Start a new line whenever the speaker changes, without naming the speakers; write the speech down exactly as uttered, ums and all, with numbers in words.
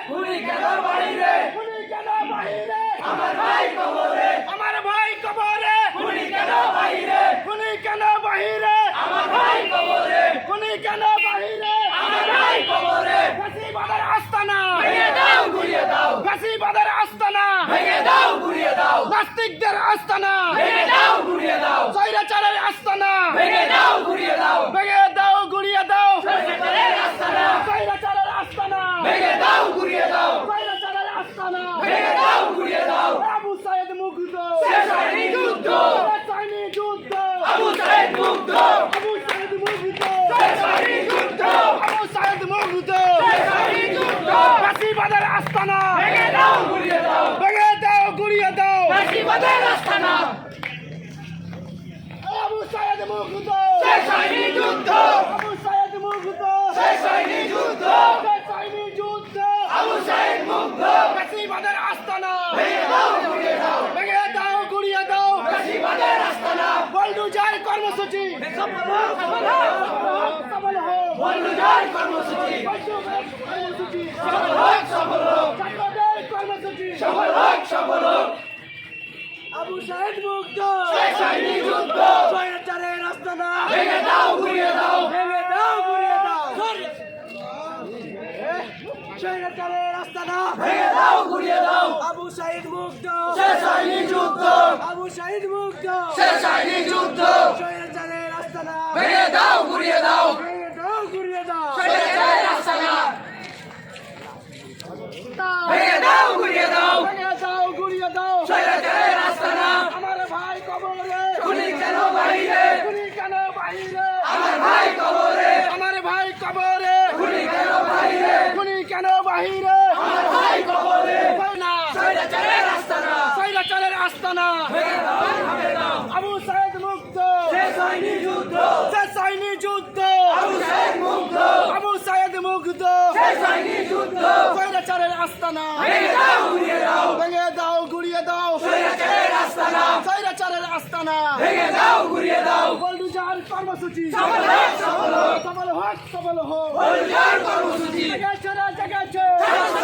খুনি কেন বাহিরে
খুনি কেন বাহিরে
আমার ভাই কবরে
আমার ভাই কবরে
খুনি কেন বাহিরে
খুনি কেন বাহিরে
আমার ভাই কবরে
খুনি কেন বাহিরে
আমার ভাই কবরে
ফাঁসিবাদের আস্তানা
ভেঙে দাও গুড়িয়ে দাও
ফাঁসিবাদের আস্তানা
ভেঙে দাও গুড়িয়ে দাও
নাস্তিকদের আস্তানা
ভেঙে দাও গুড়িয়ে দাও
স্বৈরাচারের আস্তানা
ভেঙে দাও গুড়িয়ে দাও
ভেঙে দাও গুড়িয়ে দাও
স্বৈরাচারের আস্তানা
স্বৈরাচারের আস্তানা
ভেঙে দাও গুড়িয়ে দাও
স্বৈরাচারের আস্তানা
ভেঙে দাও গুড়িয়ে দাও
আবু সাইদ মুগ্ধ
শেষ হয়নি যুদ্ধ
শেষ হয়নি যুদ্ধ
আবু সাইদ মুগ্ধ
আবু সাইদ মুগ্ধ
শেষ হয়নি যুদ্ধ
আবু সাইদ মুগ্ধ
শেষ হয়নি যুদ্ধ
ফাঁসিবাদের আস্তানা
ভেঙে দাও গুড়িয়ে দাও
ভেঙে দাও গুড়িয়ে দাও
ফাঁসিবাদের আস্তানা
আবু সাইদ মুগ্ধ
শেষ হয়নি যুদ্ধ
আবু সাইদ মুগ্ধ
শেষ হয়নি যুদ্ধ
শেষ হয়নি যুদ্ধ
আবু সাইদ মুগ্ধ
ফাঁসিবাদের আস্তানা
ভেঙে দাও গুড়িয়ে দাও
ভেঙে দাও গুড়িয়ে দাও
ফাঁসিবাদের আস্তানা
বল্ডুজার কর্মসূচি
সফল হোক সফল হোক
সফল হোক
বল্লুজার কর্মসূচি
বল্ডুজার কর্মসূচি
সফল হোক সফল হোক
ছাত্রদের কর্মসূচি
সফল হোক সফল হোক
আবু সাইদ মুগ্ধ
শেষ হয়নি যুদ্ধ
স্বৈরাচারের আস্তানা
ভেঙে দাও গুড়িয়ে দাও
ভেঙে দাও গুড়িয়ে দাও স্বৈরাচারের আস্তানা
ভেঙে দাও গুড়িয়ে দাও
আবু সাইদ মুগ্ধ
শেষ হয়নি যুদ্ধ
আবু সাইদ মুগ্ধ
শেষ হয়নি যুদ্ধ
স্বৈরাচারের আস্তানা
ভেঙে দাও গুড়িয়ে দাও
ভেঙে দাও গুড়িয়ে দাও
স্বৈরাচারের আস্তানা ভেঙে দাও গুড়িয়ে দাও
ভেঙে দাও গুড়িয়ে দাও
স্বৈরাচারের আস্তানা
আমার ভাই কবরে
খুনি কেন বাহিরে
খুনি কেন বাহিরে
আমার ভাই কবরে
আমার ভাই কবরে
খুনি কেন বাহিরে
খুনি কেন বাহিরে
আমার ভাই কবরে
না
স্বৈরাচারের আস্তানা
স্বৈরাচারের আস্তানা
ভেঙে দাও ভেঙে দাও
আবু সাইদ মুগ্ধ
শেষ হয়নি যুদ্ধ
শেষ হয়নি যুদ্ধ
আবু সাইদ মুগ্ধ
আবু সাইদ মুগ্ধ
শেষ হয়নি যুদ্ধ
স্বৈরাচারের আস্তানা
ভেঙে দাও গুড়িয়ে দাও
ভেঙে দাও গুড়িয়ে দাও
স্বৈরাচারের আস্তানা
স্বৈরাচারের আস্তানা
ভেঙে দাও গুড়িয়ে দাও
বল্ডুজার কর্মসূচি
সফল হোক সফল হোক
সফল হোক সফল হোক
বল্লুজার কর্মসূচি
জেগেছে রে, জেগেছে
শেষ